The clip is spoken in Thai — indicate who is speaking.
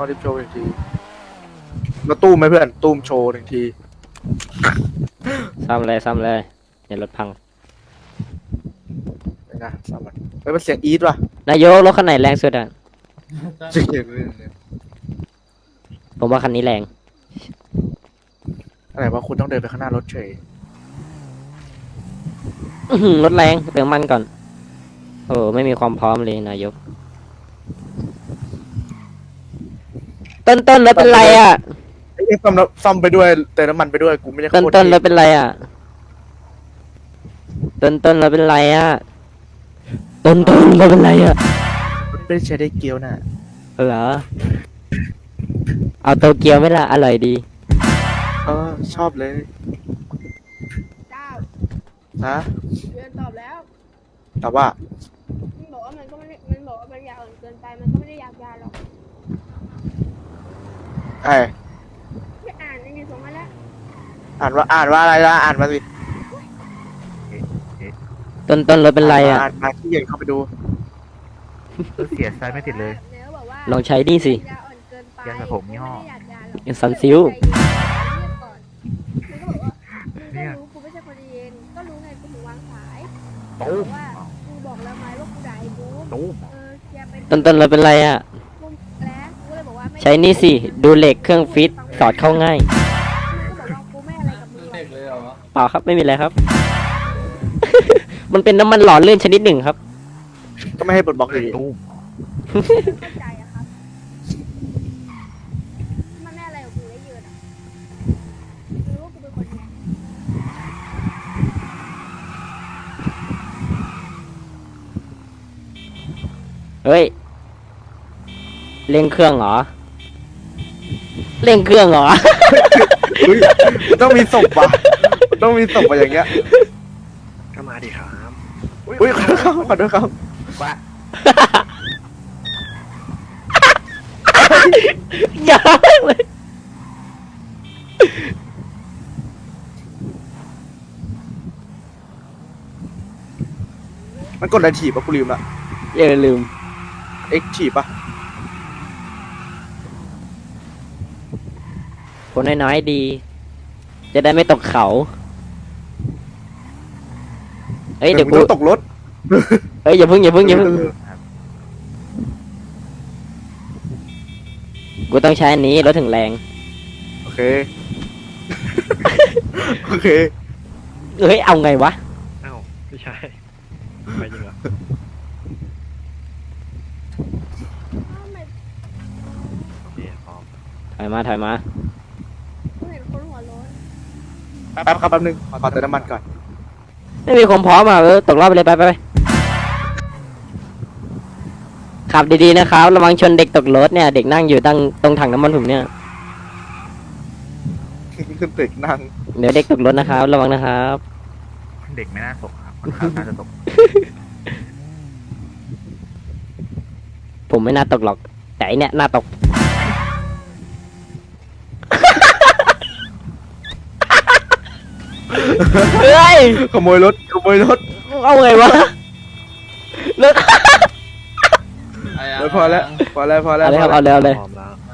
Speaker 1: ดิฟโชว์1 ทีแล้วตู้มไหมเพื่อนตู้มโชว์1 ที
Speaker 2: ซ่อมเลยเดี๋ยวรถพัง
Speaker 1: นะสามวันเฮ้ยมันเสียงอีทว่ะ
Speaker 2: นายกรถคันไหนแรงสุดอ่ะ
Speaker 1: จริงเลย
Speaker 2: ผมว่าคันนี้แรง
Speaker 1: อะไรว่าคุณต้องเดินไปข้างหน้ารถเฉย
Speaker 2: รถแรงเติมมันก่อนโอ้ไม่มีความพร้อมเลยนายกต้นรถเป็นไรอ่ะ
Speaker 1: ไอ้ซ่อมไปด้วยเติมน้ำมันไปด้วยกูไม่ได้โคตร
Speaker 2: ต้นรถเป็นไรอ่ะต้นรถเป็นไรอ่ะต้นรถเป็นไรอ่ะ
Speaker 1: มันไม่ได้ใช้ได้เกียวน่ะ
Speaker 2: เหรอเอาโตเกียวไหมล่ะอร่อยดี
Speaker 1: ชอบเลย
Speaker 3: เจ้า
Speaker 1: นะ
Speaker 3: เดือนตอบแล้ว
Speaker 1: แต่ว่า
Speaker 3: มันบอกว่ามันก็ไม่ได้มันบอกว่ามันอยากอ่อนเกินไปมันก็ไม่ได้อยากยาหรอก
Speaker 1: ไอ้
Speaker 3: ไม่อ่านในนี้ส่งมาแล้ว
Speaker 1: อ่านว่าอะไรล่ะอ่านมาสิ
Speaker 2: ต้นรถเป็นไรอ่ะ
Speaker 1: อ่านมาที่เย็นเข้าไปดู
Speaker 4: เสียไซส์ไม่ติดเลย
Speaker 3: เนื้อบอกว่า
Speaker 2: ลองใช้นี่สิ
Speaker 3: ยาอ่อนเกินไป
Speaker 4: ยาสระผมยี่ห้อ
Speaker 3: ไม่ได้อยากยาหรอก
Speaker 2: เป็นซันซิล
Speaker 3: ใจเย็นเงียบก่อนมันก็บอกว่ามึงก็รู้กูไม่ใช่คนเย็นก็รู้ไงกูถึงวางสาย
Speaker 4: ตู้
Speaker 3: บอกว่ากูบอกแล้วไหมว่ากูด่าไอ้บูม
Speaker 4: ตู้
Speaker 3: อย่าไป
Speaker 2: ต้นรถเป็นไรอ่ะ
Speaker 3: บูมแล้วกูเลยบอกว่าไม่
Speaker 2: ใช้นี่สิดูเหล็กเครื่องฟิตสอดเข้าง่าย
Speaker 3: กูก็บอกว่ากูไม่อะไรกับมึงหรอก
Speaker 2: เปล่าครับไม่มีอะไรครับ มันเป็นน้ำมันหล่อลื่นชนิดหนึ่งครับ
Speaker 1: ก็ไม่ให้ปลดบล็อกดี
Speaker 4: ตู้
Speaker 3: เข้าใจอะครับมันไม่อะไรกับกูได้เยอะอะกูรู้ว่ากูเป็นคนไง
Speaker 2: เฮ้ยเร่งเครื่องเหรอเร่งเครื่องเหรอ
Speaker 1: เฮ้ยมันต้องมีศพว่ะมันต้องมีศพว่ะอย่างเงี้ย
Speaker 4: ก็มาดิครับ
Speaker 1: อุ้ยขอโทษครับขอโทษครับ
Speaker 4: ว่า
Speaker 2: อย่าเลย
Speaker 1: มันกดอะไรถีบปะกูลืมละ
Speaker 2: อย่าลืม
Speaker 1: เอ็กถีบปะ
Speaker 2: คนน้อยๆดี จะได้ไม่ตกเขาเฮ้ยเดี๋ยว
Speaker 1: มึ
Speaker 2: กู
Speaker 1: งต้องตกรถ
Speaker 2: เฮ้ยอย่าพึ่งกูต้องใช้อันนี้รถถึงแรง
Speaker 1: โอเค โอเค
Speaker 2: เฮ้ยเอาไงวะ
Speaker 4: เอ้าไม่ใช่ไม่จริงเหรอ
Speaker 3: อ้าวไม่
Speaker 4: โอเคพร้อม
Speaker 2: ถอยมา
Speaker 3: กูเห็นคนหัวโล้น
Speaker 1: แป๊บครับแป๊บนึงขอเติมน้ำมันก่อน
Speaker 2: ไม่มีความพร้อมอ่ะตกรอบไปเลยไปขับดีๆนะครับระวังชนเด็กตกรถเนี่ยเด็กนั่งอยู่ตรงถังน้ำมันผมเนี่ย
Speaker 1: ขึ้นตึกนั่ง
Speaker 2: เดี๋ยวเด็กตกรถนะครับระวังนะครับ
Speaker 4: เด็กไม่น่าตกครับคนขับน่าจะตก
Speaker 2: ผมไม่น่าตกหรอกแต่ไอเนี่ยน่าตก เฮ้ย
Speaker 1: ขโมยรถ
Speaker 2: เอาไงวะรถ
Speaker 1: พอแล้ว
Speaker 2: เอาเลยครับเอาเลย
Speaker 4: พร้อมแล้ว